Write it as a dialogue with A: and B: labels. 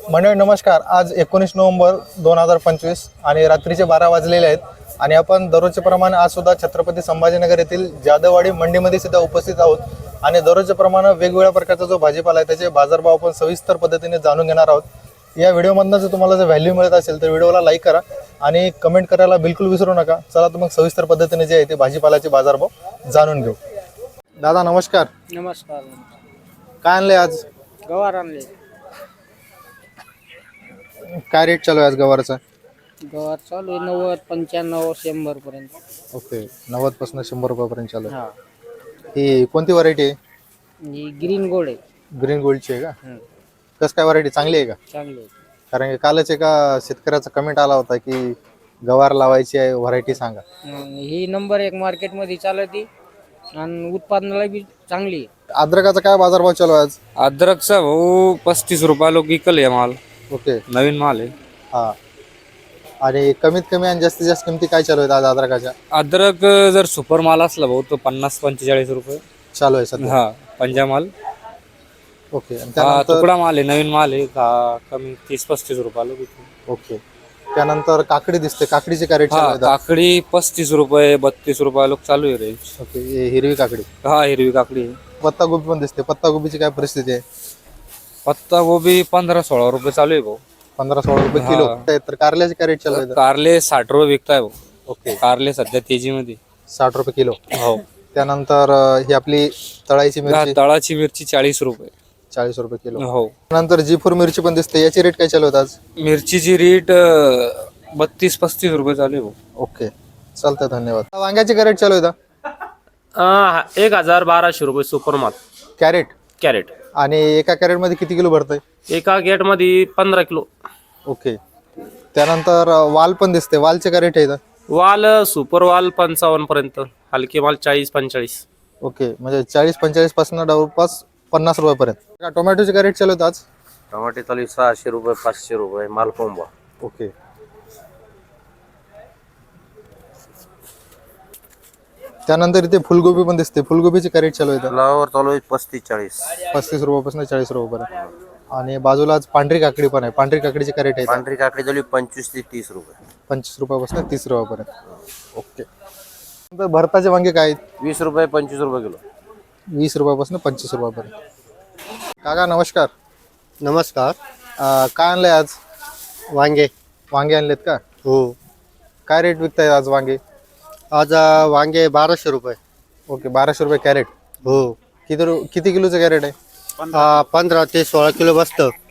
A: मंडळी नमस्कार. आज 19 नोव्हेंबर 2025 आणि रात्रीचे 12 वाजलेले आहेत आणि आपण दररोजच्या प्रमाणे आज सुद्धा छत्रपती संभाजीनगर येथील जाधववाडी मंडीमध्ये सुद्धा उपस्थित आहोत आणि दररोजच्या प्रमाणे वेगवेगळ्या प्रकारचा जो भाजीपाला आहे त्याचे बाजारभाव आपण सविस्तर पद्धतीने जाणून घेणार आहोत. या व्हिडिओमधनं जर तुम्हाला जर व्हॅल्यू मिळत असेल तर व्हिडिओला लाईक करा आणि कमेंट करायला बिलकुल विसरू नका. चला तर मग सविस्तर पद्धतीने जे आहे ते भाजीपाल्याचे बाजारभाव जाणून घेऊ. दादा नमस्कार.
B: नमस्कार.
A: काय आणले आज?
B: गवार आणले.
A: काय रेट चालू आहे आज गवारचा?
B: गवार चालू आहे 90, 95, 100 पर्यंत.
A: ओके, 90 पासून 100 रुपयापर्यंत चालू आहे.
B: हा,
A: ही कोणती व्हरायटी आहे?
B: ही ग्रीन गोल्ड आहे.
A: ग्रीन गोल्डची आहे का?
B: हं,
A: कसं काय व्हरायटी चांगली आहे का?
B: चांगली आहे.
A: कारण की कालच एका शेतकऱ्याचा कमेंट आला होता की गवार लावायची आहे, व्हरायटी सांगा.
B: ही नंबर 1 मार्केटमध्ये चालती आणि उत्पादनाला बी चांगली आहे.
A: अद्रकाचा काय बाजारभाव चालू आहे आज?
C: अदरकचा भाऊ 35 रुपये लोक विकल आहे माल.
A: ओके,
C: नवीन माल आहे.
A: हा. आणि कमीत कमी आणि जास्तीत जास्त किमती काय चालू आहेत आज अद्रकाच्या?
C: अद्रक जर सुपर माल असला भाऊ तो 50-45 रुपये
A: चालू आहे सध्या.
C: हा, पंजा माल.
A: ओके, आणि
C: हा,
A: त्यानंतर
C: तुकडा माल आहे, नवीन माल आहे. कमी 30-35 रुपये लोक विकतो.
A: ओके, त्यानंतर काकडी दिसते. काकडीचे काय रेट चालू
C: हा,
A: आहेत?
C: काकडी 35 रुपये 32 रुपये लोक चालू आहे रेंज.
A: ओके, हे हिरवी काकडी.
C: हा, हिरवी काकडी आहे.
A: पत्ता गोबी पण दिसते. पत्ता गोबीची काय परिस्थिती आहे?
C: पत्ता गोबी 15-16 रुपये चालू आहे भाऊ.
A: 15-16 रुपये किलो. तर कारल्याचे काय रेट चालू आहेत?
C: कारले 60 रुपये विकताय भाऊ.
A: ओके,
C: कारले सध्या तेजीमध्ये.
A: 60 रुपये किलो.
C: हो.
A: त्यानंतर ही आपली तळायची मिरची
C: तळाची मिरची 40 रुपये.
A: 40 रुपये किलो.
C: हो.
A: नंतर जी4 मिरची पण दिसते. याची रेट काय चालू आहेत आज?
C: मिरचीची रेट 32-35 रुपये चालू आहे भाऊ.
A: ओके, चालतंय, धन्यवाद. वांग्याची काय रेट चालू आहे?
D: 1000-1200 रुपये सुपर माल
A: कॅरेट.
D: कॅरेट.
A: आणि एका कॅरेट मध्ये किती किलो भरतंय?
D: एका गेट मध्ये 15 किलो.
A: ओके, त्यानंतर वाल पण दिसते. वालचे काय रेट आहे?
D: वाल सुपर वाल 55 पर्यंत, हलके माल 40-45.
A: ओके, म्हणजे 40-45 पासून जवळपास 50 रुपयापर्यंत. टोमॅटोचे काय रेट चालू आहेत आज?
D: टमाटे चालू 600 रुपये 500 रुपये माल कोंबा.
A: ओके, त्यानंतर इथे फुलगोबी पण दिसते. फुलगोबीचे काय रेट चालू आहेत?
D: फ्लावर चालू आहे 35-40.
A: 35 रुपयापासून 40 रुपयापर्यंत. आणि बाजूला आज पांढरी काकडी पण आहे. पांढरी काकडीचे काय रेट आहे?
D: पांढरी काकडी चालू 25 ते 30 रुपये.
A: 25 रुपयापासून 30 रुपयापर्यंत. ओके, नंतर भरताचे वांगे काय आहेत?
D: 20 रुपये 25 रुपये किलो.
A: 20 रुपयापासून 25 रुपयापर्यंत. काका नमस्कार.
E: नमस्कार.
A: काय आणलंय आज?
E: वांगे.
A: वांगे आणलेत का?
E: हो.
A: काय रेट विकताय आज वांगे?
E: आज वांगे 1200 रुपये.
A: ओके, 1200 रुपये कॅरेट.
E: हो.
A: किती किलोचं कॅरेट आहे?
E: 15 ते 16 किलो बसतं.